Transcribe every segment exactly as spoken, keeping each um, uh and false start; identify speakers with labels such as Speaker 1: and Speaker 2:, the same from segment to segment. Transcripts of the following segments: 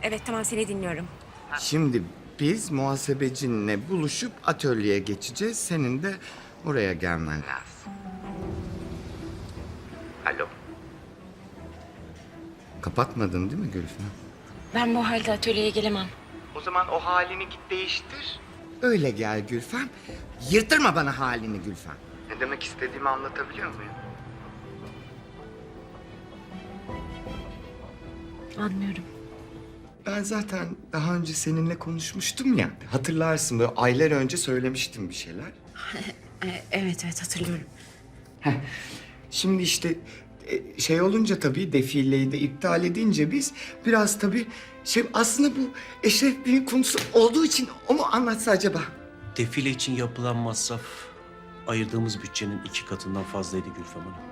Speaker 1: Evet tamam seni dinliyorum.
Speaker 2: Şimdi biz muhasebecinle buluşup atölyeye geçeceğiz. Senin de oraya gelmen lazım. Alo. Kapatmadın değil mi Gülfem?
Speaker 1: Ben bu halde atölyeye gelemem.
Speaker 2: O zaman o halini git değiştir. Öyle gel Gülfem. Yırtırma bana halini Gülfem. Ne demek istediğimi anlatabiliyor muyum?
Speaker 1: Anlıyorum.
Speaker 2: Ben zaten daha önce seninle konuşmuştum ya. Hatırlarsın, böyle aylar önce söylemiştim bir şeyler.
Speaker 1: E, evet evet hatırlıyorum.
Speaker 2: Heh. Şimdi işte e, şey olunca tabii, defileyi de iptal edince biz biraz tabii şey, aslında bu Eşref Bey'in konusu olduğu için o mu anlatsa acaba?
Speaker 3: Defile için yapılan masraf ayırdığımız bütçenin iki katından fazlaydı Gülfem Hanım.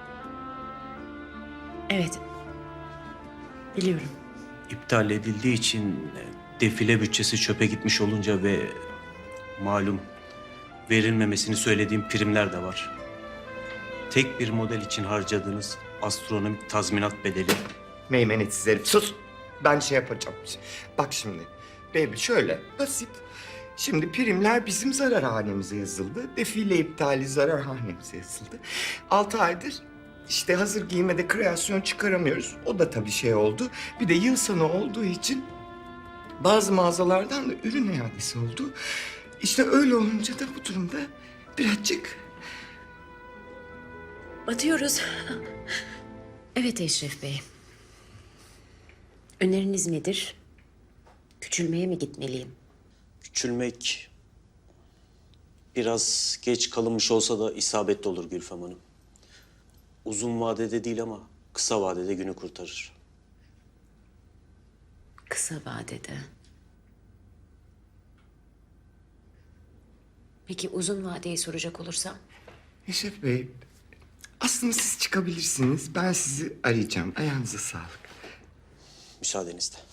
Speaker 1: Evet. Biliyorum.
Speaker 3: İptal edildiği için e, defile bütçesi çöpe gitmiş olunca ve malum verilmemesini söylediğim primler de var. Tek bir model için harcadığınız astronomik tazminat bedeli
Speaker 2: Meymenetsiz herif, sus! Ben şey yapacağım. Bak şimdi, baby şöyle basit. Şimdi primler bizim zarar hanemize yazıldı. Defile iptali zarar hanemize yazıldı. Altı aydır işte hazır giymede kreasyon çıkaramıyoruz. O da tabii şey oldu. Bir de yıl sonu olduğu için bazı mağazalardan da ürün iadesi oldu. İşte öyle olunca da bu durumda birazcık...
Speaker 1: Batıyoruz. Evet Eşref Bey. Öneriniz nedir? Küçülmeye mi gitmeliyim?
Speaker 3: küçülmek biraz geç kalınmış olsa da isabetli olur Gülfem Hanım. Uzun vadede değil ama kısa vadede günü kurtarır.
Speaker 1: Kısa vadede. Peki uzun vadeyi soracak olursam?
Speaker 2: Eşref Bey, aslında siz çıkabilirsiniz. Ben sizi arayacağım. Ayağınıza sağlık.
Speaker 3: Müsaadenizle.